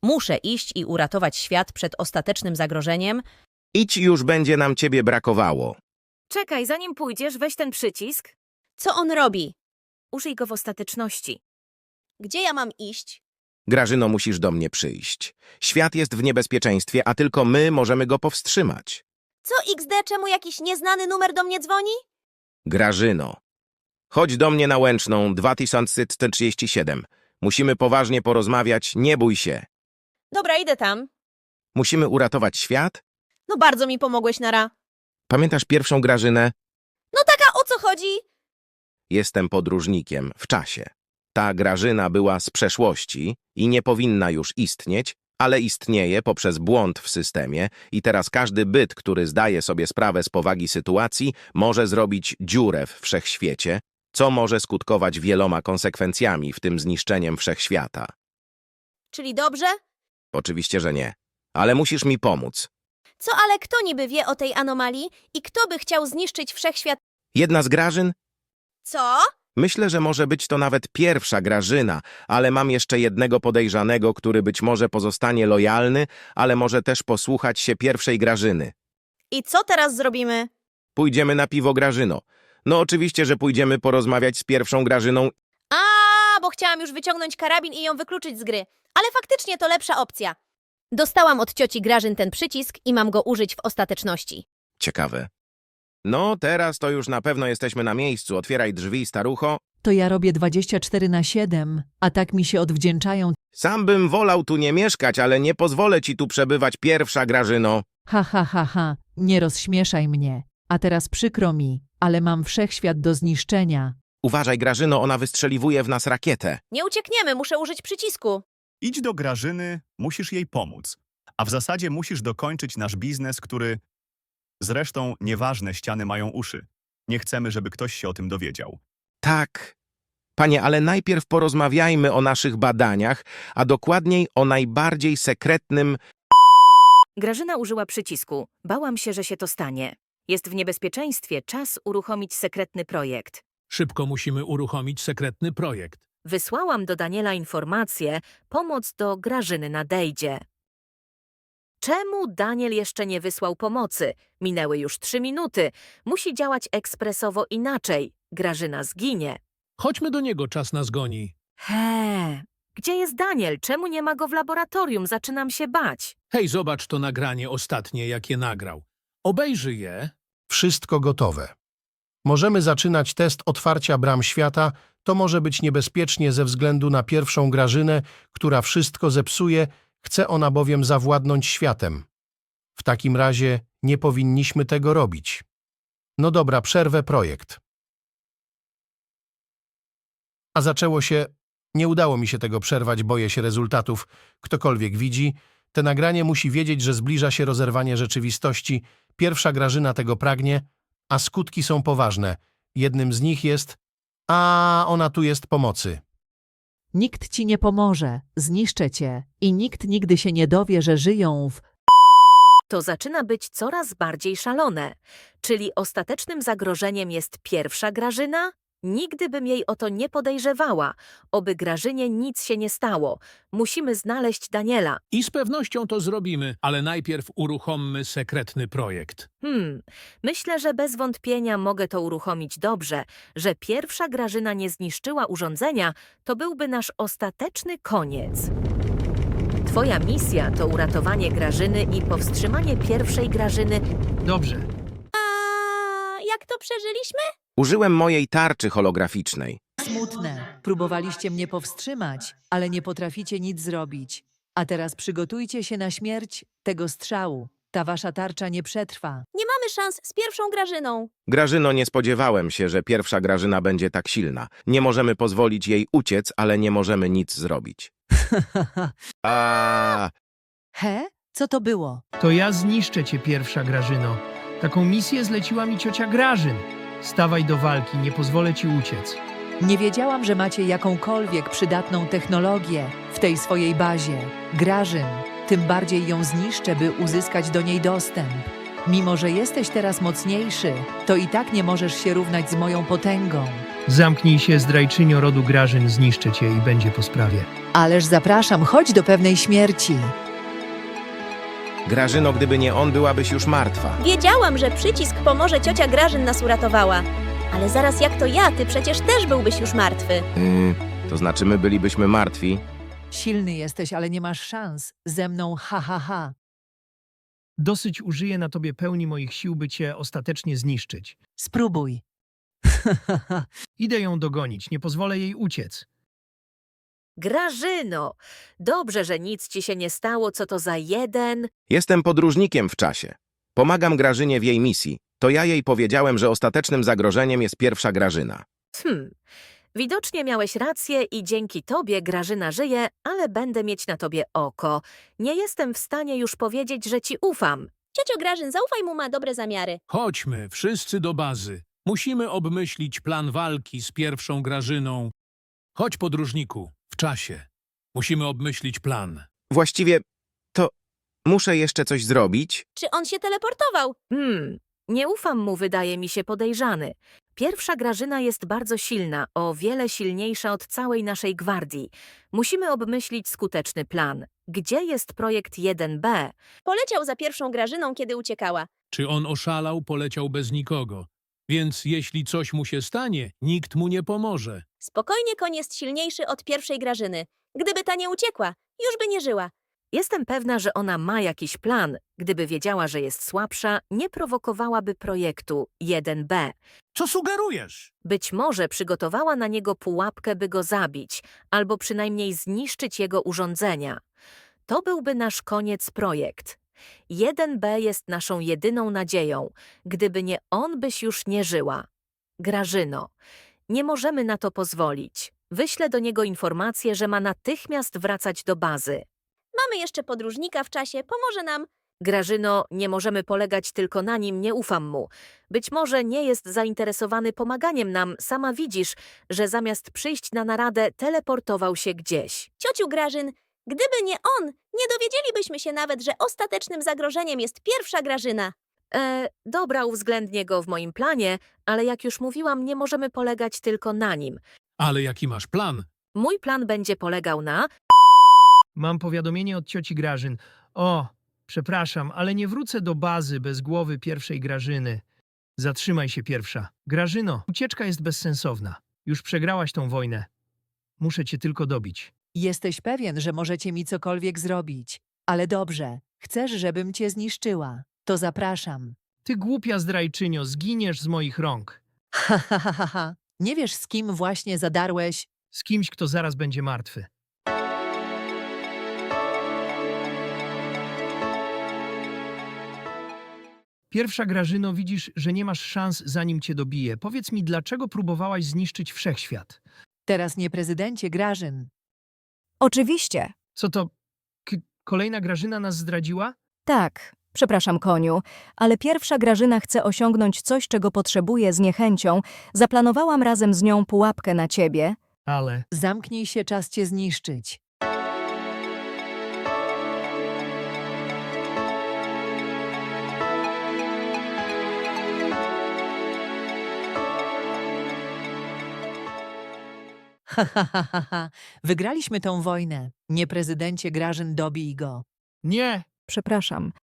Muszę iść i uratować świat przed ostatecznym zagrożeniem. Idź, już będzie nam ciebie brakowało. Czekaj, zanim pójdziesz, weź ten przycisk. Co on robi? Użyj go w ostateczności. Gdzie ja mam iść? Grażyno, musisz do mnie przyjść. Świat jest w niebezpieczeństwie, a tylko my możemy go powstrzymać. Co XD, czemu jakiś nieznany numer do mnie dzwoni? Grażyno, chodź do mnie na Łęczną 2137. Musimy poważnie porozmawiać, nie bój się. Dobra, idę tam. Musimy uratować świat? No bardzo mi pomogłeś, Nara. Pamiętasz pierwszą Grażynę? No taka, o co chodzi? Jestem podróżnikiem w czasie. Ta Grażyna była z przeszłości i nie powinna już istnieć, ale istnieje poprzez błąd w systemie i teraz każdy byt, który zdaje sobie sprawę z powagi sytuacji, może zrobić dziurę w wszechświecie, co może skutkować wieloma konsekwencjami, w tym zniszczeniem wszechświata. Czyli dobrze? Oczywiście, że nie. Ale musisz mi pomóc. Co, ale kto niby wie o tej anomalii i kto by chciał zniszczyć wszechświat? Jedna z Grażyn? Co? Myślę, że może być to nawet pierwsza Grażyna, ale mam jeszcze jednego podejrzanego, który być może pozostanie lojalny, ale może też posłuchać się pierwszej Grażyny. I co teraz zrobimy? Pójdziemy na piwo, Grażyno. No oczywiście, że pójdziemy porozmawiać z pierwszą Grażyną. A, bo chciałam już wyciągnąć karabin i ją wykluczyć z gry. Ale faktycznie to lepsza opcja. Dostałam od cioci Grażyn ten przycisk i mam go użyć w ostateczności. Ciekawe. No, teraz to już na pewno jesteśmy na miejscu. Otwieraj drzwi, starucho. To ja robię 24/7, a tak mi się odwdzięczają. Sam bym wolał tu nie mieszkać, ale nie pozwolę ci tu przebywać, pierwsza Grażyno. Ha, ha, ha, ha, nie rozśmieszaj mnie. A teraz przykro mi, ale mam wszechświat do zniszczenia. Uważaj, Grażyno, ona wystrzeliwuje w nas rakietę. Nie uciekniemy, muszę użyć przycisku. Idź do Grażyny, musisz jej pomóc. A w zasadzie musisz dokończyć nasz biznes, który... Zresztą nieważne, ściany mają uszy. Nie chcemy, żeby ktoś się o tym dowiedział. Tak. Panie, ale najpierw porozmawiajmy o naszych badaniach, a dokładniej o najbardziej sekretnym... Grażyna użyła przycisku. Bałam się, że się to stanie. Jest w niebezpieczeństwie, czas uruchomić sekretny projekt. Szybko musimy uruchomić sekretny projekt. Wysłałam do Daniela informację, pomoc do Grażyny nadejdzie. Czemu Daniel jeszcze nie wysłał pomocy? Minęły już 3 minuty. Musi działać ekspresowo inaczej. Grażyna zginie. Chodźmy do niego, czas nas goni. Gdzie jest Daniel? Czemu nie ma go w laboratorium? Zaczynam się bać. Hej, zobacz to nagranie ostatnie, jakie nagrał. Obejrzyj je. Wszystko gotowe. Możemy zaczynać test otwarcia bram świata. To może być niebezpiecznie ze względu na pierwszą Grażynę, która wszystko zepsuje, chce ona bowiem zawładnąć światem. W takim razie nie powinniśmy tego robić. No dobra, przerwę projekt. A zaczęło się... Nie udało mi się tego przerwać, boję się rezultatów. Ktokolwiek widzi, te nagranie musi wiedzieć, że zbliża się rozerwanie rzeczywistości. Pierwsza Grażyna tego pragnie, a skutki są poważne. Jednym z nich jest... A ona tu jest pomocy. Nikt ci nie pomoże, zniszczę cię i nikt nigdy się nie dowie, że żyją w... To zaczyna być coraz bardziej szalone. Czyli ostatecznym zagrożeniem jest pierwsza Grażyna? Nigdy bym jej o to nie podejrzewała. Oby Grażynie nic się nie stało. Musimy znaleźć Daniela. I z pewnością to zrobimy, ale najpierw uruchommy sekretny projekt. Myślę, że bez wątpienia mogę to uruchomić dobrze. Że pierwsza Grażyna nie zniszczyła urządzenia, to byłby nasz ostateczny koniec. Twoja misja to uratowanie Grażyny i powstrzymanie pierwszej Grażyny. Dobrze. A jak to przeżyliśmy? Użyłem mojej tarczy holograficznej. Smutne. Próbowaliście mnie powstrzymać, ale nie potraficie nic zrobić. A teraz przygotujcie się na śmierć tego strzału. Ta wasza tarcza nie przetrwa. Nie mamy szans z pierwszą Grażyną. Grażyno, nie spodziewałem się, że pierwsza Grażyna będzie tak silna. Nie możemy pozwolić jej uciec, ale nie możemy nic zrobić. A He? Co to było? To ja zniszczę cię, pierwsza Grażyno. Taką misję zleciła mi ciocia Grażyn. Stawaj do walki, nie pozwolę ci uciec. Nie wiedziałam, że macie jakąkolwiek przydatną technologię w tej swojej bazie. Grażyn, tym bardziej ją zniszczę, by uzyskać do niej dostęp. Mimo że jesteś teraz mocniejszy, to i tak nie możesz się równać z moją potęgą. Zamknij się, zdrajczynio rodu Grażyn, zniszczę cię i będzie po sprawie. Ależ zapraszam, chodź do pewnej śmierci. Grażyno, gdyby nie on, byłabyś już martwa. Wiedziałam, że przycisk pomoże, ciocia Grażyn nas uratowała. Ale zaraz jak to ja, ty przecież też byłbyś już martwy. To znaczy my bylibyśmy martwi. Silny jesteś, ale nie masz szans. Ze mną ha, ha, ha. Dosyć użyję na tobie pełni moich sił, by cię ostatecznie zniszczyć. Spróbuj. Idę ją dogonić, nie pozwolę jej uciec. Grażyno, dobrze, że nic ci się nie stało, co to za jeden... Jestem podróżnikiem w czasie. Pomagam Grażynie w jej misji. To ja jej powiedziałem, że ostatecznym zagrożeniem jest pierwsza Grażyna. Widocznie miałeś rację i dzięki tobie Grażyna żyje, ale będę mieć na tobie oko. Nie jestem w stanie już powiedzieć, że ci ufam. Ciocio Grażyn, zaufaj mu, ma dobre zamiary. Chodźmy, wszyscy do bazy. Musimy obmyślić plan walki z pierwszą Grażyną. Chodź, podróżniku, w czasie. Musimy obmyślić plan. Właściwie to muszę jeszcze coś zrobić. Czy on się teleportował? Nie ufam mu, wydaje mi się podejrzany. Pierwsza Grażyna jest bardzo silna, o wiele silniejsza od całej naszej gwardii. Musimy obmyślić skuteczny plan. Gdzie jest projekt 1B? Poleciał za pierwszą Grażyną, kiedy uciekała. Czy on oszalał, poleciał bez nikogo. Więc jeśli coś mu się stanie, nikt mu nie pomoże. Spokojnie, koń jest silniejszy od pierwszej Grażyny. Gdyby ta nie uciekła, już by nie żyła. Jestem pewna, że ona ma jakiś plan. Gdyby wiedziała, że jest słabsza, nie prowokowałaby projektu 1B. Co sugerujesz? Być może przygotowała na niego pułapkę, by go zabić, albo przynajmniej zniszczyć jego urządzenia. To byłby nasz koniec projekt. 1B jest naszą jedyną nadzieją. Gdyby nie on, byś już nie żyła. Grażyno, nie możemy na to pozwolić. Wyślę do niego informację, że ma natychmiast wracać do bazy. Mamy jeszcze podróżnika w czasie, pomoże nam. Grażyno, nie możemy polegać tylko na nim, nie ufam mu. Być może nie jest zainteresowany pomaganiem nam, sama widzisz, że zamiast przyjść na naradę, teleportował się gdzieś. Ciociu Grażyn, gdyby nie on, nie dowiedzielibyśmy się nawet, że ostatecznym zagrożeniem jest pierwsza Grażyna. Dobra, uwzględnię go w moim planie, ale jak już mówiłam, nie możemy polegać tylko na nim. Ale jaki masz plan? Mój plan będzie polegał na... Mam powiadomienie od cioci Grażyn. O, przepraszam, ale nie wrócę do bazy bez głowy pierwszej Grażyny. Zatrzymaj się, pierwsza. Grażyno, ucieczka jest bezsensowna. Już przegrałaś tą wojnę. Muszę cię tylko dobić. Jesteś pewien, że możecie mi cokolwiek zrobić. Ale dobrze, chcesz, żebym cię zniszczyła. To zapraszam. Ty głupia zdrajczynio, zginiesz z moich rąk. Ha, ha, ha, ha, ha. Nie wiesz, z kim właśnie zadarłeś? Z kimś, kto zaraz będzie martwy. Pierwsza Grażyno, widzisz, że nie masz szans, zanim cię dobiję. Powiedz mi, dlaczego próbowałaś zniszczyć wszechświat? Teraz nie prezydencie Grażyn. Oczywiście. Co to? Kolejna Grażyna nas zdradziła? Tak, przepraszam, koniu, ale pierwsza Grażyna chce osiągnąć coś, czego potrzebuje z niechęcią. Zaplanowałam razem z nią pułapkę na ciebie. Ale... Zamknij się, czas cię zniszczyć. Ha, ha, ha, ha, ha. Wygraliśmy tą wojnę. Nie prezydencie Grażyn, dobij go. Nie! Przepraszam,